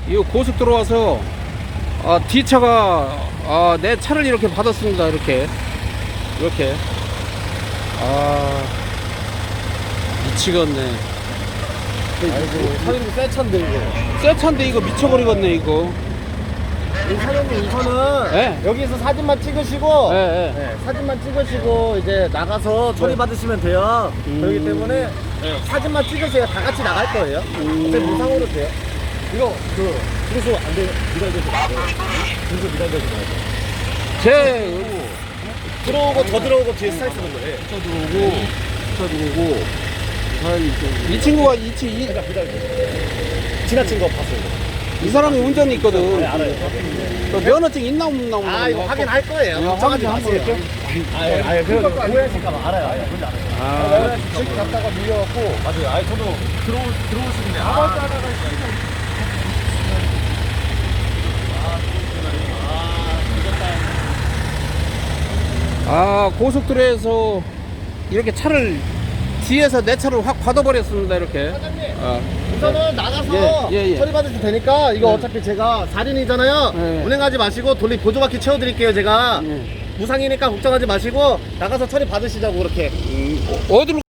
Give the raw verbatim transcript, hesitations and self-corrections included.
이 고속도로 와서 아, 뒤차가 아, 내 차를 이렇게 받았습니다. 이렇게 이렇게 아 미치겠네. 아이고 사장님 새 차인데 이거. 새 차인데 이거 미쳐버리겠네 이거. 이 사장님 우선은 네. 여기서 사진만 찍으시고 예, 예. 네, 사진만 찍으시고 이제 나가서 처리 받으시면 돼요. 음. 그렇기 때문에 네, 사진만 찍으세요. 다 같이 나갈 거예요. 음. 어차피 무상으로 돼요. 이거 그 그래서 안 돼. 미달되지 마세요. 그래서 미달되지 마세요. 제 들어오고 더 들어오고 뒤에 스타일 쓰는 거예요. 차 들어오고 차 들어오고 이 친구가 이, 치- 이, 그러니까 미달되지. 지나친 거 봤어요. 이 사람이 운전이 있거든. 네, 알아요. 그 면허증 있나 없나 없나. 아 이거 확인할 거예요. 이거 걱정하지 확인 마세요. 아예 아예 그 오해하실까봐 알아요. 알아요. 뭔지 알아요. 아, 집 갔다가 밀려갖고 맞아요. 아예 저도 들어 들어오시는데 아무 때 하다가 아 고속도로에서 이렇게 차를 뒤에서 내 차를 확 받아버렸습니다. 이렇게. 사장님 아, 우선은 나가서 예, 예, 예. 처리 받으시면 되니까 이거 네. 어차피 제가 살인이잖아요. 네. 운행하지 마시고 돌리 보조바퀴 채워드릴게요. 제가 예. 무상이니까 걱정하지 마시고 나가서 처리 받으시자고 그렇게. 음, 어디로